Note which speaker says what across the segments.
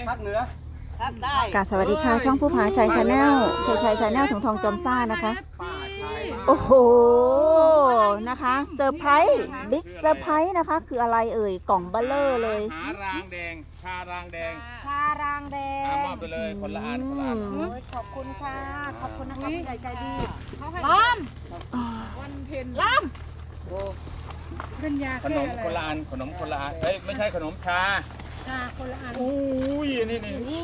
Speaker 1: ภาคเหนือ
Speaker 2: กาสวัสดีค่ะช่องผู้ผาชัยชาแนลชัยชาแนลถุงทองจอมซ่านะคะโอ้โหนะคะเซอร์ไพรส์บิ๊กเซอร์ไพรส์นะคะคืออะไรเอ่ยกล่องเบลเลอร์เลย
Speaker 3: หารางแดงชารางแดง
Speaker 4: ชารางแดง
Speaker 3: มอบไปเลยคนละอันคนละอัน
Speaker 4: ขอบคุณค่ะขอบคุณนะคะผู้ใหญ่ใจดีล้อมวันเพ็ญล้อมเป็นยา
Speaker 3: ขนมคนละอันขนมคนละอันเฮ้ยไม่ใช่ขนมชา
Speaker 4: คนละอัน
Speaker 3: อุ้ยนี่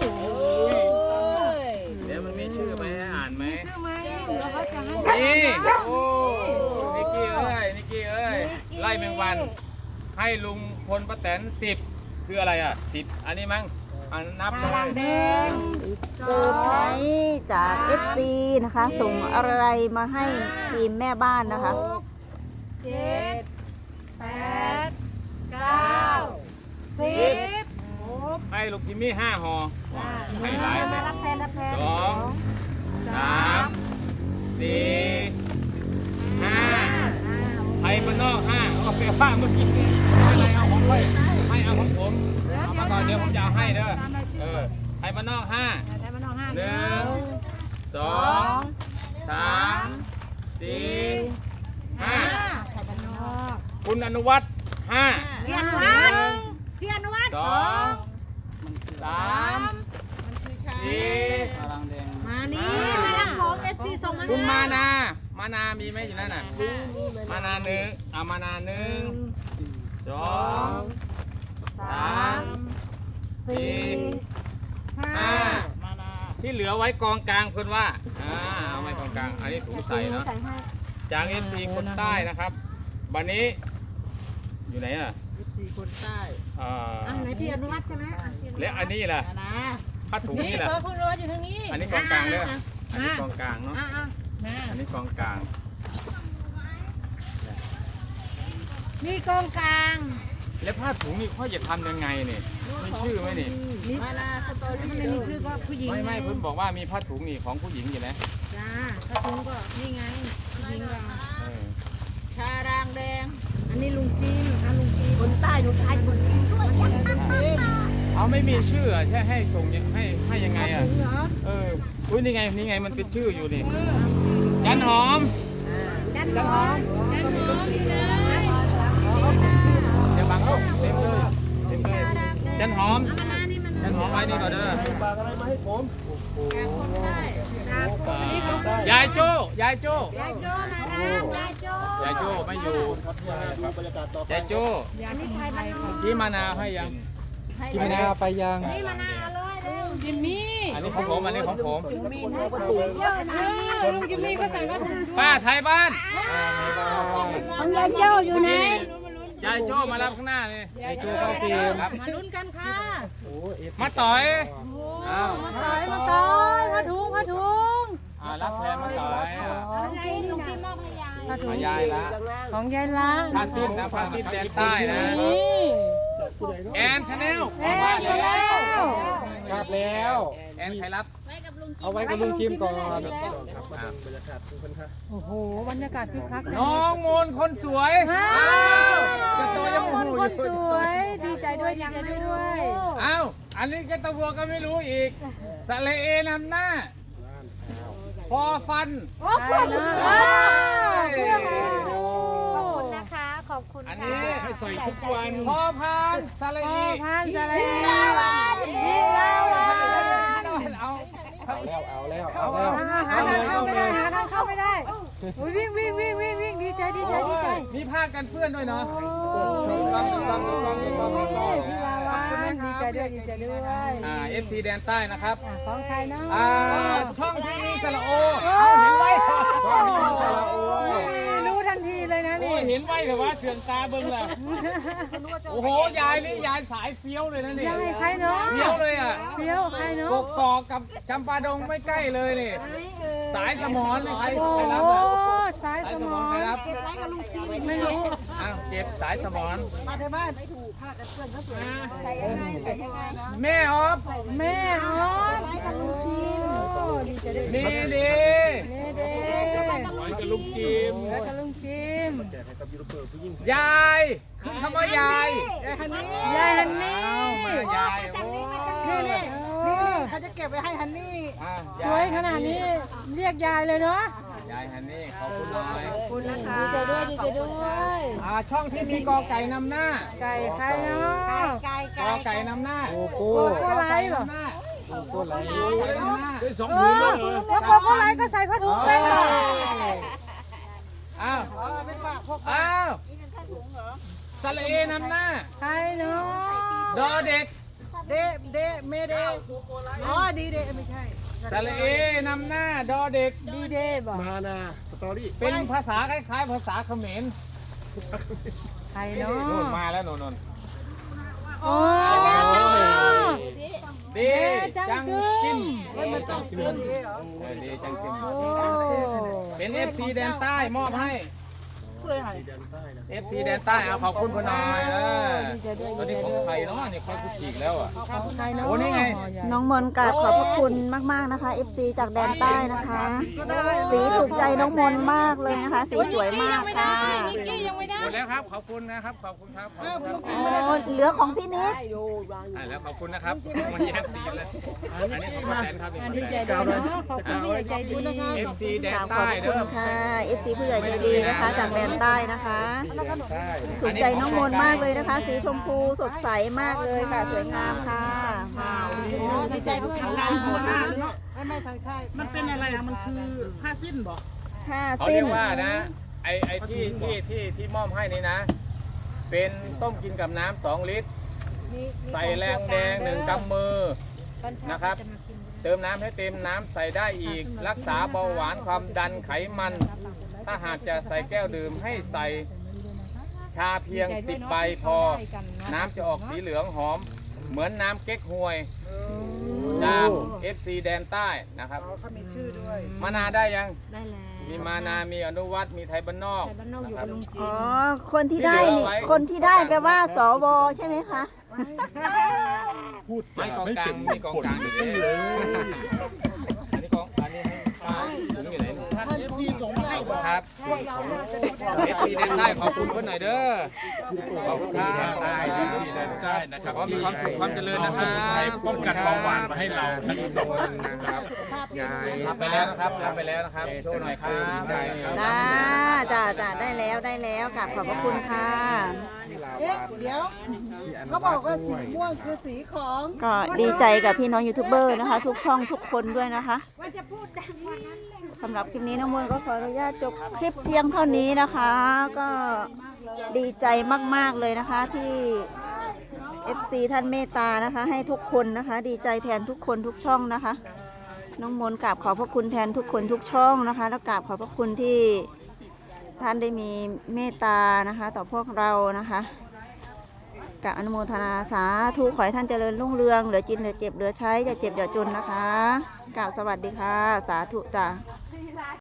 Speaker 3: เดี๋ยวมันมีชื่อไหมอ่านไหม
Speaker 4: ชื่อไหมเดี๋ยวเขาจะให้
Speaker 3: นี่โอ้นิกกี้เอ้ยไล่แมงวันให้ลุงพลป้าแตน10คืออะไรอ่ะ10อันนี้มั้งอันนับเล
Speaker 4: ชารางแด
Speaker 3: ย
Speaker 4: ง
Speaker 2: เซอร์ไพรส์จาก FC นะคะส่งอะไรมาให้ทีมแม่บ้านนะคะ
Speaker 4: 7 8 9 10
Speaker 3: ให้ลูกจิมมี่5ห่อให้หลายเลย
Speaker 4: รับแทน
Speaker 3: 2 3 4 5ให้มันนอก5เอาไปว่าเมื่อกี้อะไรเอาของไปให้เอาของผมเอามาก่อนเดี๋ยวผมจะเอาให้เด้อให้มันนอก5
Speaker 4: ได้มาน้อง5
Speaker 3: 1 2 3 4 5คุณอนุวัฒน์5
Speaker 4: พี่อนุวัฒน์พี่อนุวัฒน์
Speaker 3: 2 3 4
Speaker 4: มานี่มารับของ FC ส่งมา
Speaker 3: คุณมานามีไหมอยู่นั่นน่ะมานาหนึ่งเอามานา1 2 3 4 5ที่เหลือไว้กองกลางเพื่อนว่าเอาไว้กองกลางอันนี้ถุงใส่เนาะจาก FC คนใต้นะครับวันนี้อยู่ไหนอ่ะ
Speaker 1: FC คนใต้
Speaker 4: ไหนพี่อนุวัฒน์ใช่ไหม
Speaker 3: และอันนี้ล่ะผ้าถุงนี่แหละ
Speaker 4: คุณรออยู่ทางนี้
Speaker 3: อันนี้กองกลางเลยอันนี้กองกลางเนาะ อันนี้กองกลาง
Speaker 4: นี่กองกลาง
Speaker 3: แล้วผ้าถุงนี่เขาจะทำยังไงเนี่ยมีชื่อไหมนี่
Speaker 1: มานาสตอรี่
Speaker 4: มันมีชื่อก็ผู้หญิง
Speaker 3: ไม่เพิ่นบอกว่ามีผ้าถุงนี่ของผู้หญิงอยู่นะ
Speaker 4: จ้าถ้าถุงก็นี่ไงผู้หญิงเรา
Speaker 1: ชารางแดง
Speaker 4: อันนี้ลุงจีนนะคะลุงจีนคนใต้ลุงใต้คนจีนด้วย
Speaker 3: เอาไม่มีชื่อใช่ให้ส่งให้ยังไงอ่ะ
Speaker 4: เหรอ
Speaker 3: อุ้ยนี่ไงมันเป็นชื่ออยู่นี่จันหอม
Speaker 4: จันหอมนี่เลย
Speaker 3: เดี๋ยวบังลูกเต็มเลยจันหอม
Speaker 4: มานานี่มัน
Speaker 3: จันหอมไว้นี่ก่อนเด้อ
Speaker 1: ฝากอะไรมาให้ผม
Speaker 3: ยายโจ้ยายโจ้
Speaker 4: ยายโจ้มาแล้วยายโจ้
Speaker 3: ยายโจ้ไม่อยู่
Speaker 1: ครับบรรยากาศต่อไป
Speaker 3: ยายโจ้
Speaker 4: อันนี้ใครบ้าง
Speaker 3: ที่มะนาวให้ยัง
Speaker 1: กินมะนาวไปยัง
Speaker 4: นี่มานาอร่อยเลยจิมมี่
Speaker 3: อันนี้ของผมอันนี้ของผม
Speaker 4: มีหนูประตูเยอะนะลุงจิมมี่ก็ใส่ผ้าถุง
Speaker 3: ป้าไทยบ้าน
Speaker 4: ของยายโจ้อยู่ไหน
Speaker 3: ยายโจ้มารับข้างหน้าเลยยายโจ้เข้าฟิล์มครับ
Speaker 4: มาลุ้นกันค่ะ
Speaker 3: มาต่อย
Speaker 4: มาต่อยมาต่อยผ้าถุงผ้าถุง
Speaker 3: รับแทนมาต่อย
Speaker 4: ลุงจิมมอบให้ยาย
Speaker 3: มายายละ
Speaker 4: ของยายละ
Speaker 3: ผ้าสิ้นนะผ้าสิ้นแดนใต้นะ
Speaker 4: นี่
Speaker 3: แอนชาแนล
Speaker 4: อยู่แล้ว
Speaker 1: ครับแล้ว
Speaker 3: แอนใครรับ
Speaker 1: เอาไว้กับลุงจิมก่อน
Speaker 4: โอ้โหบรรยากาศคึกคัก
Speaker 3: น้องมนคนสวยจะโตยัง
Speaker 4: ค
Speaker 3: หู
Speaker 4: น
Speaker 3: อยู่
Speaker 4: คนสวยดีใจด้วยดีใจด้วย
Speaker 3: อ้าวอันนี้แกตะวัวก็ไม่รู้อีกสะเลเอนำหน้าพอฟัน
Speaker 4: ใช่เลยขอบคุณนะคะขอบคุณ
Speaker 3: อัน
Speaker 4: ค่ะ
Speaker 3: นี้ให้ใส่ทุกวันพอพานสะเล
Speaker 4: พ่อ
Speaker 3: อี
Speaker 4: พันธุ์อะไรดีลาวัน
Speaker 3: เอาแล้ว
Speaker 4: หาเข้าไม่ได้หาเข้าไม่ได้วิ่งดีใจดีใจดีใจ
Speaker 3: มีผ้ากันเปื้อนด้วยเนาะ
Speaker 4: พี่ลาวันดีใจด้วยดีใจด้วย
Speaker 3: FC แดนใต้นะครับ
Speaker 4: ของใครเนาะ
Speaker 3: ช่องที่มีสระโอเห็นไว้ช่องที่มีสระโอ
Speaker 4: รู้ทันทีเลยนะ
Speaker 3: โอ้
Speaker 4: นี่
Speaker 3: เห็นไว้แต่ว่าเสื่อมตาเบิ่งแหละโอ้โหยายนี่ยายสายเฟี้ยวเลยนะนี่
Speaker 4: ยังไงใครเนาะ
Speaker 3: เฟี้ยวเลยอ่ะ
Speaker 4: เฟี้ยวใครเนาะ
Speaker 3: กกอกกับจำปาดงไม่ใกล้เลยนี่สายสมอนใคร
Speaker 4: โอ้
Speaker 3: รับ
Speaker 4: โห
Speaker 3: อ่ะ
Speaker 4: สาย
Speaker 3: สาย
Speaker 4: ส
Speaker 3: ส
Speaker 4: ม
Speaker 3: ม
Speaker 4: อ
Speaker 3: อนใครรับ
Speaker 4: ไม่รู้
Speaker 3: อ้าวเก็บสายสมอน
Speaker 1: มาที่บ้านไม่ถูกผ้ากันเปื้อนเขาสวยใส่ยังไงนะ
Speaker 3: แม่ออฟ
Speaker 4: แม่ออสดีใจด้วย
Speaker 3: นี่ดี
Speaker 4: เด้
Speaker 3: ไว้กับลุงจิม
Speaker 4: แล้วก็ลุงจิม
Speaker 3: ยายขึ้นคำว่ายาย
Speaker 4: ยายฮันนี่
Speaker 3: อ้าวมายายโอ้
Speaker 4: นี่
Speaker 1: นี่เขาจะเก็บไว้ให้ฮันนี่
Speaker 3: อ่ะ
Speaker 4: สวยขนาดนี้เรียกยายเลยเนาะ
Speaker 3: ยายฮันนี่ขอบคุณหน่อย
Speaker 4: คุณนะคะดีใจด้วยดีใจด้วย
Speaker 3: ช่องที่มีกอไก่นำหน้า
Speaker 4: ไก่ใครเนาะ
Speaker 3: กอไก่นำหน้า
Speaker 4: โกโก้ไลท์เหรอ
Speaker 3: โกไลท์นำหน้า
Speaker 4: แล้วโกโก้ไลท์ก็ใส่ผ้าถุงเลยเหรอ
Speaker 3: อ้าวสระเอนำหน้า
Speaker 4: ใครเนาะ
Speaker 3: ดอเด็ก
Speaker 1: เดเมเดอ๋อดีเดไม่ใช่
Speaker 3: สระเอนำหน้าดอเด็ก
Speaker 4: ดีเดย์บอก
Speaker 5: มานาสตอรี่
Speaker 3: เป็นภาษาคล้ายๆภาษาเขมร
Speaker 4: ใครเนาะ
Speaker 3: นู่นมาแล้วนน
Speaker 4: โอ้
Speaker 3: ดีจังกิม
Speaker 1: มันต้องเรื่องนี้เหรอ
Speaker 3: ดีจังกิม
Speaker 4: โอ้
Speaker 3: เป็น FC แดนใต้มอบให้ FC แดนใต้เอาขอบคุณคุณหน่อยตอนนี้ของใครเนาะนี่ค่อยคุกจีกแล้วอ่ะ
Speaker 4: ใครเนาะ
Speaker 3: โอ้นี่ไง
Speaker 2: น้องมนต์กราบขอบพระคุณมากๆนะคะ FC จากแดนใต้นะคะ สีถูกใจน้องมนต์มากเลยนะคะ สีสวยมากค่ะ
Speaker 4: นิกกี้ยังไม่ได้
Speaker 3: หมดแล้วครับขอบคุณนะครับขอบคุณครับขอบคุณครับ
Speaker 2: โอ้เหลือของพี่นิด
Speaker 3: ได้แล้วขอบคุณนะครับมันแยกสีกันเลยอันนี้ของป้าแตนครับ
Speaker 4: ดีใจด้วยเนาะขอบคุณที่ใจดีนะคะ
Speaker 3: FC แด
Speaker 2: ก
Speaker 3: น
Speaker 2: ราบขอ
Speaker 3: ใต้
Speaker 2: บ
Speaker 3: เด้
Speaker 2: คุ
Speaker 3: อ
Speaker 2: ณค่ะ FC ผู้ใหญ่ใจดีนะคะ จากแดนใต้นะคะถูกใจน้องมนต์มากเลยนะคะ สีชมพูสดใสมากเลยค่ะ สวยงามค่ะ
Speaker 4: ดีใจด้วย
Speaker 1: ไม่ทางค่าย
Speaker 5: มันเป็นอะไรอ่ะ มันคือผ้าสิ้นบอก
Speaker 2: ผ้า
Speaker 3: เขา
Speaker 2: สิ้
Speaker 3: เรี
Speaker 2: น
Speaker 3: ยกว่านะไอ้ที่มอบให้นี่นะ เป็นต้มกินกับน้ำ2 ลิตร ใส่แรงแดง1 กำมือนะครับ เติมน้ำให้เต็มน้ำใส่ได้อีก รักษาเบาหวานความดันไขมัน ถ้าหากจะใส่แก้วดื่มให้ใส่ชาเพียง10 ใบพอ น้ำจะออกสีเหลืองหอม เหมือนน้ำเก๊กฮวยจาก FC แดนใต้นะครับ
Speaker 1: เขามีชื่อด้วย
Speaker 3: มานาได้ยัง
Speaker 4: ได้แล้ว
Speaker 3: มีมานา มีอนุวัตมีไทยบ้านนอก
Speaker 4: บ้านนอกอยู่กับลุงจิ
Speaker 2: อ๋อ คนที่ได้นี่ คนที่ได้แปลว่าสวใช่ไหมคะ
Speaker 5: พูด
Speaker 3: ไม่กองกลางมีกองกลางอยู่เลยอันนี้อันนี้ให้ป้าถุงอยู่ไหน
Speaker 5: ท่านเอฟซีส่งมาให้
Speaker 3: ครับเอฟซีแดนใต้ขอบคุณคนหน่อยเด้อขอบคุณครับ
Speaker 6: ใต้ที่แดนใต้นะครับ
Speaker 3: ขอมีความสุขความเจริญนะค
Speaker 6: ส
Speaker 3: รับ
Speaker 6: มุนไพรป้องกันเบาหวานมาให้เราท่านผู้ชม
Speaker 3: นะครับรับไปแล้วนะครับรับไปแล้วนะครับโชว์หน่อยครับ
Speaker 2: จ้าได้แล้วกราบขอบพระคุณค่ะ
Speaker 1: เอ๊ะเดี๋ยวเขาบอกว่าสีม่วงคือสีของ
Speaker 2: ก็ดีใจกับพี่น้องยูทูบเบอร์นะคะ ทุกช่องทุกคนด้วยนะคะสำหรับคลิปนี้น้องมนต์ก็ขออนุญาตจบคลิปเพียงเท่านี้นะคะ ก็ดีใจมากๆเลยนะคะที่ FC ท่านเมตตานะคะ ให้ทุกคนนะคะ ดีใจแทนทุกคนทุกช่องนะคะ น้องมนต์กราบขอบพระคุณแทนทุกคนทุกช่องนะคะ แล้วกราบขอบพระคุณที่ท่านได้มีเมตตานะคะ ต่อพวกเรานะคะกราบอนุโมทนาสาธุขอให้ท่านเจริญรุ่งเรืองเหลือกินเหลือเจ็บเหลือใช้อย่าเจ็บอย่าจนนะคะกราบสวัสดีค่ะ สาธุจ้า
Speaker 1: ที่